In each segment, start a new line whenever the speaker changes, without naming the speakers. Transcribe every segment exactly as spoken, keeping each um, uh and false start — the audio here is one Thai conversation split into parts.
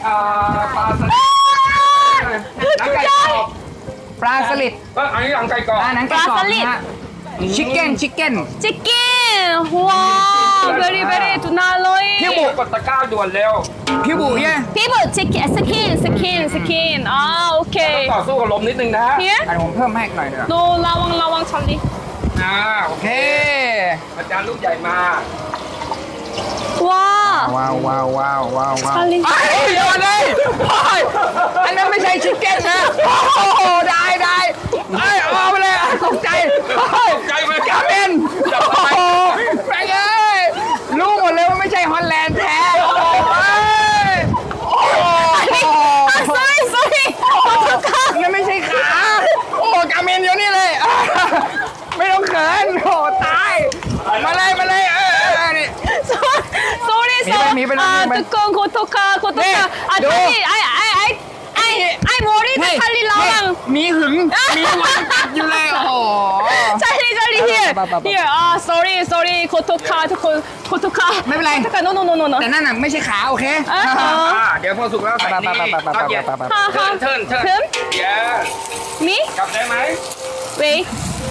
อ่าปลาสลิดหนังไก่กรอบ
ปลาสลิด
เอออันนี้หนังไก่กรอบ
อ่าหนังไก่กรอบนะฮะชิคเก้นชิคเก้น
치킨. 와, very very 두나로이.
พี่บุกกดตะกร้าด่วนเร็ว
พี่บุเย่
피부 치킨, 스킨, 스킨, 스킨. 아,
ต้อง
오케이.
ต่อสู้กับลมนิดนึงนะฮะ
Here?
อันผมเพิ่มให้อีกหน่อยเถอะ
No, 라왕 라왕 찰리.
อ่าโอ
โอ
เค
เค
อาจารย์ลูกใหญ่มา
와.
ว้าวว้าวว้าวว้าวว้าว
찰리.
ไอ้ยเดี๋ยวก่อนเลยโอ้ยอันนั้นไม่ใช่ชิคเก้นนะโอ้โหได้ได้ไอ้ยเอาไปเลยอ่ะตกใจโอ้ย
ตกใจไหม
กาเมน
จับ
โอ้
ไป
โหแม่งเอ้ยรู้หมดเลยว่าไม่ใช่ฮอลแลนด์แท้โอ้โหเอ้ยโอ้โห
아, sorry, sorry. 어떡하?
นั่นไม่ใช่ขา โอ้กาเมนอยู่นี่เลยอ่ะไม่ต้องเขินโอ้ตาย มาเลยมาเลยเออเออเออนี่
sorry,
미베,
sorry.
미베,
아,
미베.
뜨거운 고토카,
네,
고토카. 아,
너.
찰리. 아이, 아이, 아이. 아이, 아이, 머리도 찰리
เฮ้ย
라왕.
มีหึง มีหวังกัดอยู่เลยโอ้โห
찰리, 찰리, here.
봐, 봐, 봐, 봐.
Here. 아, sorry, sorry. 고토카, 고, 고토카.
ไม่เป็นไร
고토카, no, no, no, no, no.
แต่นั่นน่ะไม่ใช่ขาโอเค
อ่า
อ่าเดี๋ยวพอสุกแล้วใส่นี่
ไปไปไปไปไป
ตอนเย็น
ไปไปไป
하,
เทิร์น
하.
เทิร์นเทิร์น
금?
เดี๋ยว
Me?
กลับได้ไหม
Wait.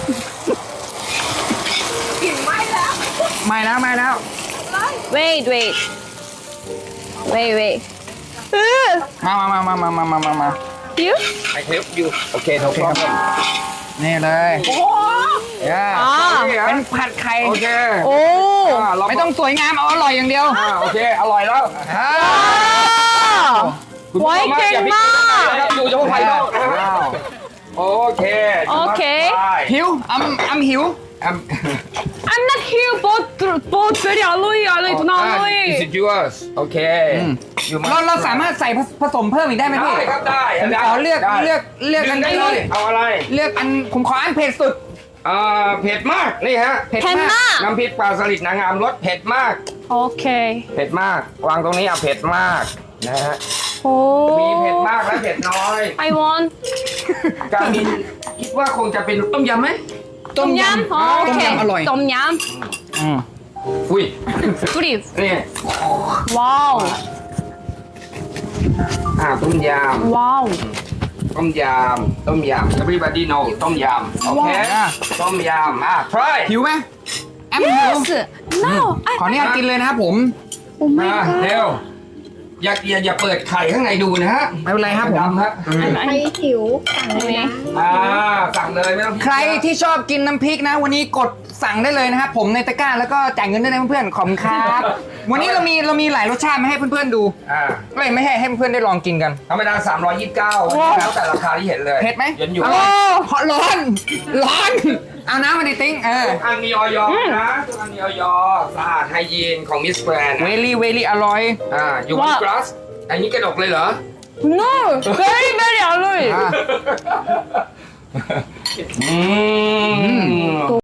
ไม่แล้วไม่แล้ว
Wait, wait. Wait, wait. 으,
มามามามามามามามา
you?
ไอเทปอยู่โอเคถูกต้อง
นี่เลยเย้
อ่า
เป็นผัดไข่
โอเค
오.
อ่าเรา
ไม่ต้องสวยงามเอาอร่อยอย่างเดียว
อ่าโอเคอร่อยแล้ว
อ่า
와.
คุณผู้ชมอย่าพิจารณานะครับอยู่เฉพาะภายนอกนะฮะโอเค
โอเค
หิวอำอำหิว
อ่ะ
I'm not here, but but very alloy, alloy, do not alloy.
Is it yours โอเค อยู่
เราเราสามารถใส่ผสมเพิ่มอีกได้ไหมพี่
ได้ครับได้
ผมขอเลือก
ได้
เลือกเลือกอัน
ได้
ที่
เลยเอาอะไร
เลือกอันผมขออันเผ็ดสุด
อ่าเผ็ดมากนี่ฮะ
เผ็ดมาก
펜나.
น้ำพริกปลาสลิดนางงามรสเผ็ดมาก
오케이.
เผ็ดมาก วางตรงนี้อ่ะเผ็ดมากนะฮะ มีเผ็ด
오.
มากและเผ็ดน้อย
I want
การมินคิดว่าคงจะเป็นต้มยำไหม
ต้มย
똠얌.
ำต้ม
오케이.
ยำอร่อย
똠얌.
อืม
อุ้ย
뿌리.
นี่
와우.
อ่าต้มย
와우.
ำต้มยำต้มยำ everybody know ต้มยำโอเค
ว้าว
ต้มยำอ่ะ try
หิวไหมแอมหิว
Yes. No.
ขออนุญาตกินเลยนะครับผม
Oh
มา
my
เร็ว
god.
อย่าอย่าอย่าเปิดไข่ข้างในดูนะฮะ
ไม่เป็นไรครับผม
ดำฮะ
ใครหิวสั่งเลยนะ
อ่าสั่งเลยไม่ต้อง
ใครที่ชอบกินน้ำพริกนะ วันนี้กดสั่งได้เลยนะครับผมในตะกร้าแล้วก็จ่ายเงินได้เลยเพื่อนๆขอบคุณครับวันนี้เรามีเรามีหลายรสชาติมาให้เพื่อนๆดู
อ่า
ไม่ไม่ให้ให้เพื่อนๆได้ลองกินกัน
ธรรมดาสามร้อยยี่สิบเก้าแล้วแต่ราคาที่เห็นเลย
เผ็ดไหม
เย็นอยู่
อร่อยเพราะร้อนร้อนเอาน้ำมาดิติ้งเออ
ทุกอันมีออยนะทุกอันมีออยสะอาดไฮยีนของมิสแกรน
เวลี่เวลี่อร่อย
อ่าอยู่บนกราสอันนี้กระดกเลยเหรอ
No. Very very alloy.
อ่ะ
อืม